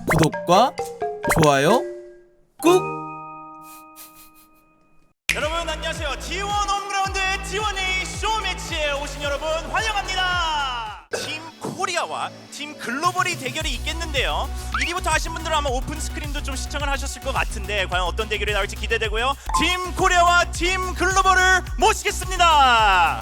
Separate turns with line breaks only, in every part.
구독과 좋아요 꾹.
여러분 안녕하세요. T1 홈그라운드의 T1A 쇼매치에 오신 여러분 환영합니다. 팀 코리아와 팀 글로벌이 대결이 있겠는데요. 1위부터 하신 분들은 아마 오픈 스크림도 좀 시청을 하셨을 것 같은데 과연 어떤 대결이 나올지 기대되고요. 팀 코리아와 팀 글로벌을 모시겠습니다.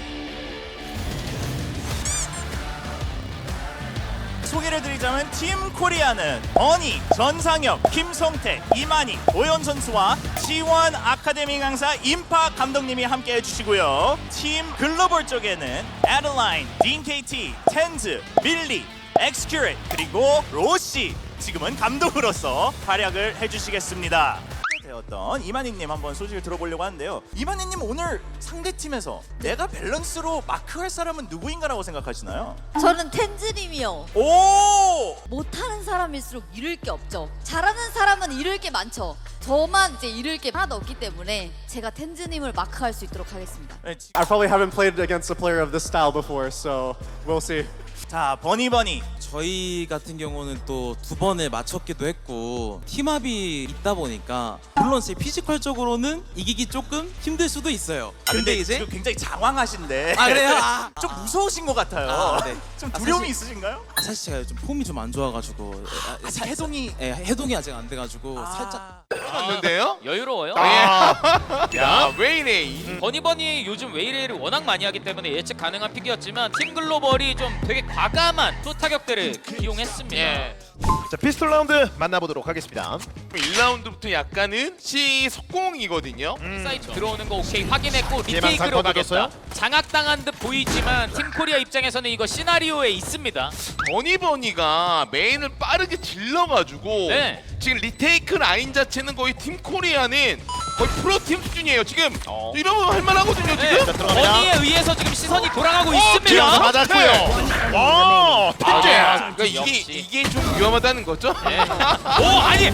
소개를 드리자면 팀 코리아는 버니, 전상혁, 김성태, 이만희, 도현 선수와 T1 아카데미 강사 임파 감독님이 함께 해주시고요. 팀 글로벌 쪽에는 에드라인, 딘KT, 텐즈, 밀리, 엑스큐레 그리고 로시 지금은 감독으로서 활약을 해주시겠습니다. 되었던 이만희님 한번 소식을 들어보려고 하는데요. 이만희님 오늘 상대팀에서 내가 밸런스로 마크할 사람은 누구인가라고 생각하시나요?
저는 텐즈님이요.
오!
못하는 사람일수록 잃을 게 없죠. 잘하는 사람은 잃을 게 많죠. 저만 이제 잃을 게 하나도 없기 때문에 제가 텐즈님을 마크할 수 있도록 하겠습니다.
네,
I probably haven't played against a player of this style before, so we'll see.
자, 버니
저희 같은 경우는 또 두 번을 맞췄기도 했고 팀합이 있다 보니까 물론 제 피지컬적으로는 이기기 조금 힘들 수도 있어요. 근데 이제
지금 굉장히 장황하신데
아 그래요?
좀 무서우신 것 같아요.
아, 네.
좀
아,
두려움이
사실-
있으신가요?
사실 제가 좀 폼이 좀 안 좋아가지고
아직 해동이
예, 해동이 아직 안 돼가지고 살짝
는데요?
여유로워요.
야, 왜 이래?
버니버니 요즘 웨이레이를 워낙 많이 하기 때문에 예측 가능한 픽이었지만 팀 글로벌이 좀 되게 과감한 또 타격들을 이용했습니다.
예.
자, 피스톨 라운드 만나보도록 하겠습니다.
1라운드부터 약간은 시 속공이거든요.
사이트 들어오는 거 오케이 확인했고
예방
리테이크로
상권
가겠다.
얻었어요?
장악당한 듯 보이지만 팀 코리아 입장에서는 이거 시나리오에 있습니다.
버니버니가 메인을 빠르게 질러가지고
네.
지금 리테이크 라인 자체는 거의 팀 코리아는 거의 프로팀 수준이에요. 지금 이러면 할만하거든요.
네.
지금.
들어갑니다.
버니에 의해서 지금 시선이 돌아가고
뒤에서
있습니다.
맞았고요. 와,
아,
팬제.
그러니까 이게
역시.
이게 좀 위험하다는 거죠?
네. 오 아니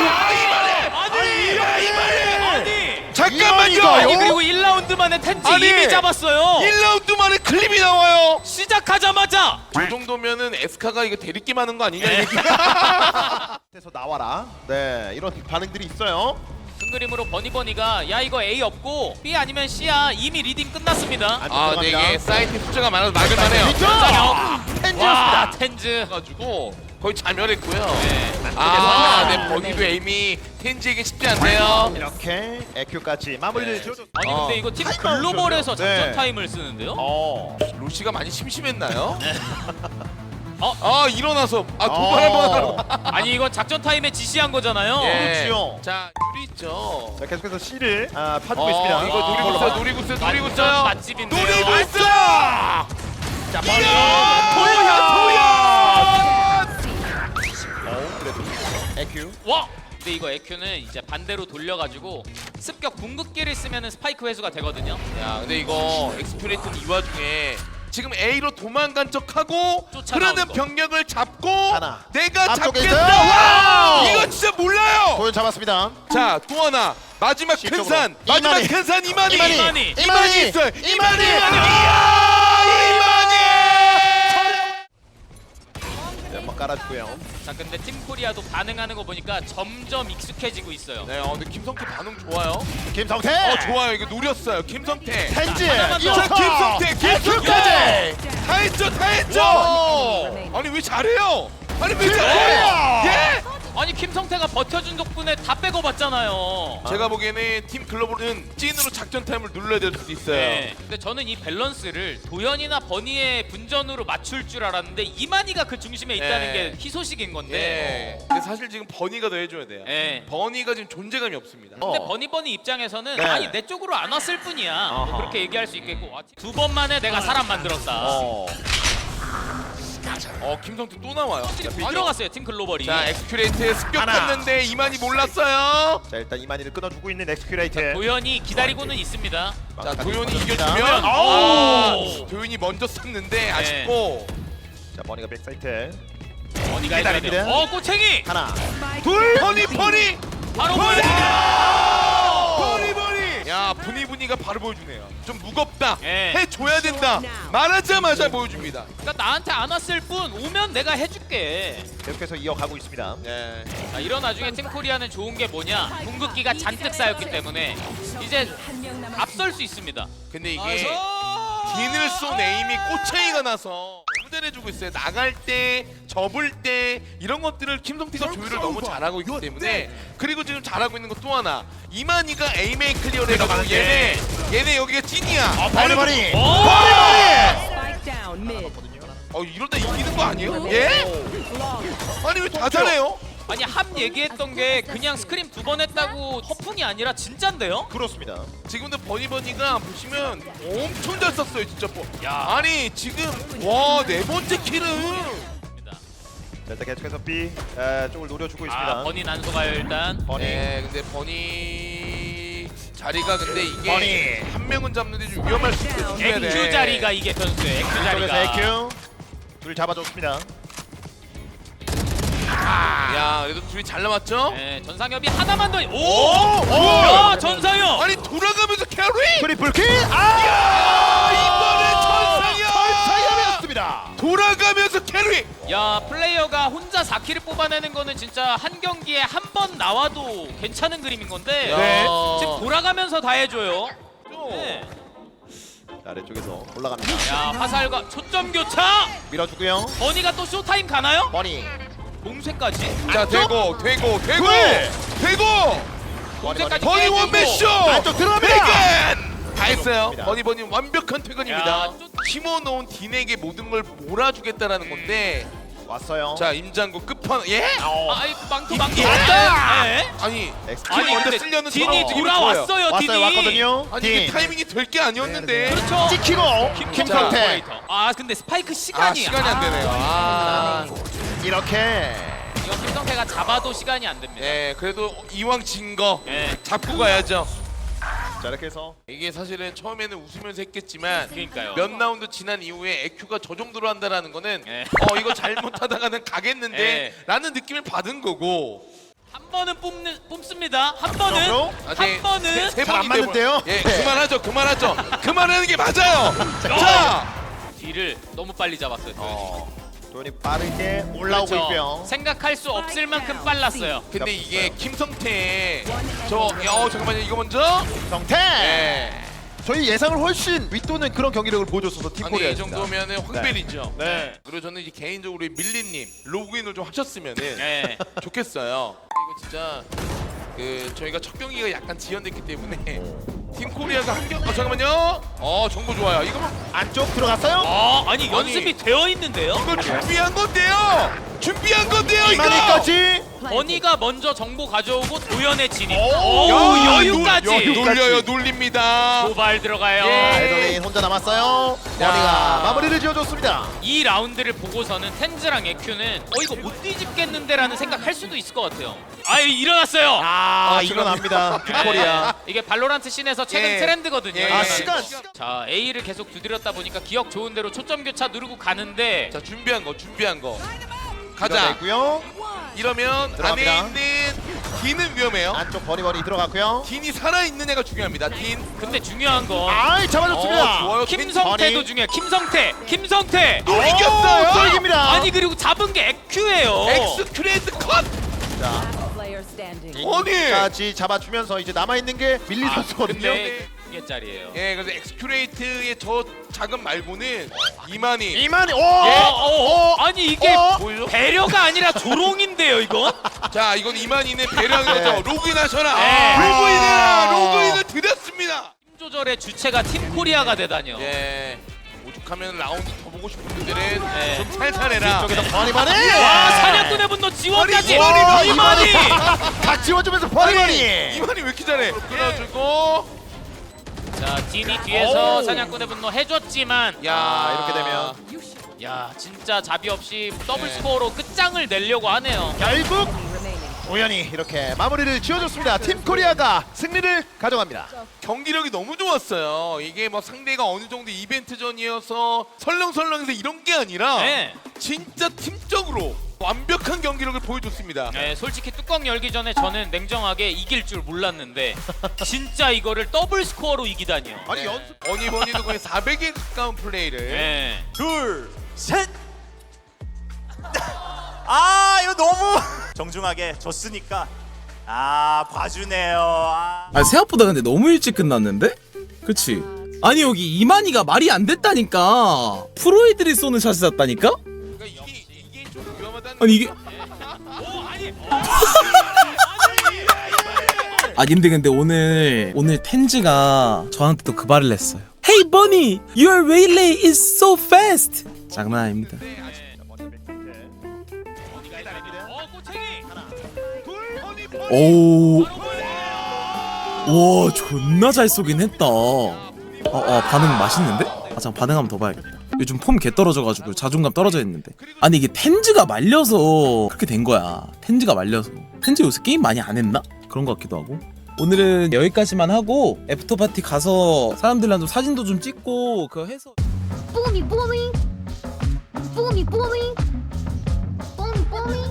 아니
잠깐만요.
아니 그리고 1라운드 만에 텐트
아니.
이미 잡았어요.
1라운드 만에 클립이 나와요.
시작하자마자
이 정도면은 에스카가 이거 대리낌 하는 거 아니냐? 이게.
에서 나와라. 네, 이런 반응들이 있어요.
큰 그림으로 버니버니가 야 이거 A 없고 B 아니면 C야 이미 리딩 끝났습니다.
아, 근데 이게 사이트 숫자가 많아서 막을만해요.
와 텐즈
가지고 거의 자멸했고요.
네.
아, 네, 버기도 에임이 텐지에게 쉽지 않네요.
이렇게 에큐까지 마무리를 지어줬.
아니 근데 이거 팀 글로벌에서 작전
네.
타임을 쓰는데요?
로시가 많이 심심했나요?
어?
아, 일어나서 도발 한번 하라고.
아니 이건 작전 타임에 지시한 거잖아요.
그렇지요.
자, 유리 있죠.
자, 계속해서 C를 파주고 있습니다.
이거 노리고 있어요. 노리고 있어요. 노리고
완전
있어요.
맛집인데요.
노리고 있어.
자, 버니. 그래도 에큐.
와! 근데 이거 에큐는 이제 반대로 돌려가지고 습격 궁극기를 쓰면 스파이크 회수가 되거든요.
야, 근데 이거 엑스피레이트는 이 와중에 지금 A로 도망간 척하고
쫓아나오는
흐르는
거.
병력을 잡고
하나.
내가
앞쪽에
잡겠다.
있어요.
와!
와우!
이거 진짜 몰라요.
도현 잡았습니다.
자, 또 하나 마지막 큰
C쪽으로.
산. 마지막
이만희.
큰 산 이만희.
이만희.
이만희 있어요. 이만희.
네, 한번 깔아주고요.
자 근데 팀 코리아도 반응하는 거 보니까 점점 익숙해지고 있어요.
네, 근데 김성태 반응 좋아요.
김성태.
좋아요. 이거 노렸어요. 김성태.
텐지.
하나만 더.
자, 김성태.
에큐까지.
다 했죠. 다 했죠. 아니 왜 잘해요? 아니 왜 잘해요?
코리아.
예?
아니 김성태가 버텨준 덕분에 다 빼고 봤잖아요.
제가 보기에는 팀 글로벌은 찐으로 작전 타임을 눌러야 될 수도 있어요.
네. 근데 저는 이 밸런스를 도현이나 버니의 분전으로 맞출 줄 알았는데 이만희가 그 중심에 있다는
네.
게 희소식인 건데.
네. 근데 사실 지금 버니가 더 해줘야 돼요.
네.
버니가 지금 존재감이 없습니다.
근데 버니버니 입장에서는
네.
아니 내 쪽으로 안 왔을 뿐이야. 뭐 그렇게 얘기할 수 있겠고 두 번 만에 내가 사람 만들었다.
김성태 또 나와요.
다 들어갔어요 팀 글로벌이.
자, 엑스큐레이트 습격했는데
하나.
이만희 몰랐어요.
자, 일단 이만희를 끊어주고 있는 엑스큐레이트.
도현이 기다리고는 있습니다.
자, 도현이
맞습니다.
이겨주면
오!
도현이 먼저 썼는데 아쉽고.
자, 버니가 백사이트.
버니가 해줘야
기다립니다.
돼요. 꼬챙이
하나.
둘 버니.
바로
버니!
보여줍니다.
버니. 야, 분이 이분이가 바로 보여주네요. 좀 무겁다.
예.
해줘야 된다. 말하자마자 보여줍니다.
그러니까 나한테 안 왔을 뿐 오면 내가 해줄게.
계속해서 이어가고 있습니다.
네.
자, 이런 와중에 팀 코리아는 좋은 게 뭐냐? 궁극기가 잔뜩 쌓였기 때문에 이제 앞설 수 있습니다.
근데 이게 딘을 쏜 에임이 꼬챙이가 나서 너무 잘해주고 있어요. 나갈 때, 접을 때 이런 것들을 김성태가 조율을 너무 잘하고 있기 때문에 그리고 지금 잘하고 있는 것 또 하나 이만희가 에이메이 클리어를 해가지고 얘네 여기가 찐이야.
버리버리.
Spike down mid.
이러다 이기는 거 아니에요? 예? 아니 왜 다 잘해요?
아니 함 얘기했던 게 그냥 스크림 2번 했다고 허풍이 아니라 진짠데요?
그렇습니다.
지금도 버니버니가 보시면 엄청 잘 썼어요 진짜. 아니 지금 와 4번째 킬은
자, 일단 계속해서 B 쪽을 노려주고 있습니다.
아 버니 난소가요 일단.
버니.
네, 근데 버니 자리가 근데 이게
버니.
한 명은 잡는데 좀 위험할 수 있어요. 조심해야 돼.
EQ 자리가 이게 변수예요. EQ
쪽에서
자리가.
AQ 둘 잡아줬습니다.
야, 그래도 둘이 잘 남았죠?
네, 전상엽이 하나만 더. 오!
오!
야, 전상엽.
아니 돌아가면서 캐리!
트리플 킬.
이번에
전상엽이었습니다.
돌아가면서 캐리!
야, 플레이어가 혼자 4킬을 뽑아내는 거는 진짜 한 경기에 한 번 나와도 괜찮은 그림인 건데
네.
지금 돌아가면서 다 해줘요. 네.
자, 아래쪽에서 올라갑니다.
야, 화살과 초점 교차.
밀어주고요.
버니가 또 쇼타임 가나요?
버니.
봉쇄까지.
자, 되고!
굴!
봉쇄까지
버니
깨지고.
원맨쇼!
안쪽 들어갑니다.
퇴근! 다 했어요.
그렇습니다.
버니 완벽한 퇴근입니다.
야,
심어놓은 딘에게 모든 걸 몰아주겠다라는 건데
왔어요.
자, 임장구 끝판 예?
아, 이 망토
예?
왔다. 네.
아니
엑스킬
아니
먼저
근데
쓸려는
딘이
상황이
돌아왔어요.
왔어요.
딘이.
왔거든요.
아니 이게
딘.
타이밍이 될 게 아니었는데
그렇죠.
찍히고 김성태.
오퍼레이터. 아, 근데 스파이크 시간이
시간이 안 되네요.
이렇게
이거 김성태가 잡아도 시간이 안 됩니다.
네, 그래도 이왕 진 거
예.
잡고 가야죠.
자 이렇게 해서
이게 사실은 처음에는 웃으면서 했겠지만
그러니까요.
몇 라운드 지난 이후에 EQ가 저 정도로 한다라는 거는
예.
이거 잘못하다가는 가겠는데
예.
라는 느낌을 받은 거고
한 번은 뽑습니다. 한 번은
그럼요.
한 번은
세
잘안
번인데
맞는데요?
예,
네.
그만하죠. 그만하는 게 맞아요. 자,
뒤를 너무 빨리 잡았어요.
도현이 빠르게 올라오고
그렇죠.
있고요.
생각할 수 없을 만큼 빨랐어요.
근데 이게 김성태 잠깐만요. 이거 먼저
성태.
네.
저희 예상을 훨씬 윗도는 그런 경기력을 보여줬어서 팀
아니 이
코리아입니다.
정도면은 황벨이죠.
네.
그리고 저는 이제 개인적으로 밀리님 로그인을 좀 하셨으면은
네.
좋겠어요. 이거 진짜 저희가 첫 경기가 약간 지연됐기 때문에 팀 코리아가 잠깐만요. 정보 좋아요. 이거
안쪽 들어갔어요.
아니 연습이 되어 있는데요.
이거 준비한 건데요. 이거.
이만희까지.
버니가 먼저 정보 가져오고 도연의 진입.
야,
오, 여유까지.
놀려요. 놀립니다.
도발 들어가요.
에더레인 혼자 남았어요. 버니가 마무리를 지어줬습니다.
이 라운드를 보고서는 텐즈랑 에큐는 이거 못 뒤집겠는데라는 생각할 수도 있을 것 같아요. 일어났어요.
일어납니다. 팀
네.
코리아.
이게 발로란트 씬에서 최근
예.
트렌드거든요.
예.
아
이거는.
시간.
자, A를 계속 두드렸다 보니까 기억 좋은 대로 초점 교차 누르고 가는데
자, 준비한 거. 가자.
있고요.
이러면
들어갑니다.
안에 있는 딘은 위험해요.
안쪽 버니 들어갔고요.
딘이 살아 있는 애가 중요합니다. 딘.
근데 중요한 건
잡아줬습니다.
좋아요.
김성태도
딘.
중요해. 김성태.
또 이겼어요.
또 이깁니다.
아니 그리고 잡은 게 에큐예요.
엑스크레이트 컷.
자,
Player standing.
아니.
까지 잡아주면서 이제 남아 있는 게 밀리 선수거든요.
근데 2개짜리예요.
예, 그래서 엑스큐레이트의 저 자금 말고는 이만희.
이만희.
아니 이게
보이죠?
배려가 아니라 조롱인데요, 이건?
자, 이건 이만희는 배려한
네.
거죠. 로그인하셔라.
네.
로그인해라. 로그인을 드렸습니다.
팀 조절의 주체가 팀 코리아가 되다니요.
예. 오죽하면 라운드 더 보고 싶은 분들은
네.
좀 살살해라.
쪽에서 버니.
와, 사냥꾼의 분노 지원까지.
아니,
이만희.
다 지워주면서 버니.
이만희 왜 이렇게 잘해? 끊어주고.
자, 딘이 뒤에서 사냥꾼의 분노 해줬지만
야,
이렇게 되면
야, 진짜 자비 없이 더블
네.
스코어로 끝장을 내려고 하네요.
결국 우연히 이렇게 마무리를 지어줬습니다. 팀 코리아가 승리를 가져갑니다.
경기력이 너무 좋았어요. 이게 뭐 상대가 어느 정도 이벤트전이어서 설렁설렁해서 이런 게 아니라
네.
진짜 팀적으로 완벽한 경기력을 보여줬습니다.
네, 솔직히 뚜껑 열기 전에 저는 냉정하게 이길 줄 몰랐는데 진짜 이거를 더블 스코어로 이기다니요.
아니 연습 버니버니도 거의 400에 가까운 플레이를.
네.
둘, 셋. 아 이거 너무 정중하게 졌으니까 봐주네요.
아 생각보다 근데 너무 일찍 끝났는데? 그치? 아니 여기 이만희가 말이 안 됐다니까. 프로이들이 쏘는 샷이 었다니까?
그러니까 이게 좀 위험하다는.
아니 이게 아 근데 오늘 텐즈가 저한테 또 그 말을 했어요. Hey Bunny, your relay is so fast. 장난 아닙니다. 오, 와 존나 잘 쏘긴 했다. 반응 맛있는데? 잠깐 반응 한번 더 봐야겠다. 요즘 폼 개 떨어져가지고 자존감 떨어져 있는데. 아니 이게 텐즈가 말려서 그렇게 된 거야. 텐즈가 말려서. 텐즈 요새 게임 많이 안 했나? 그런 것 같기도 하고. 오늘은 여기까지만 하고 애프터 파티 가서 사람들이랑 좀 사진도 좀 찍고 그거 해서.
뽀미 뽀미 뽀미 뽀미 뽀미 뽀미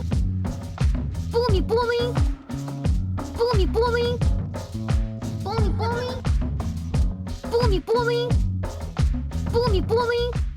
뽀미 뽀미 뽀미 뽀미 뽀미 뽀미 뽀미 뽀미 뽀미 뽀미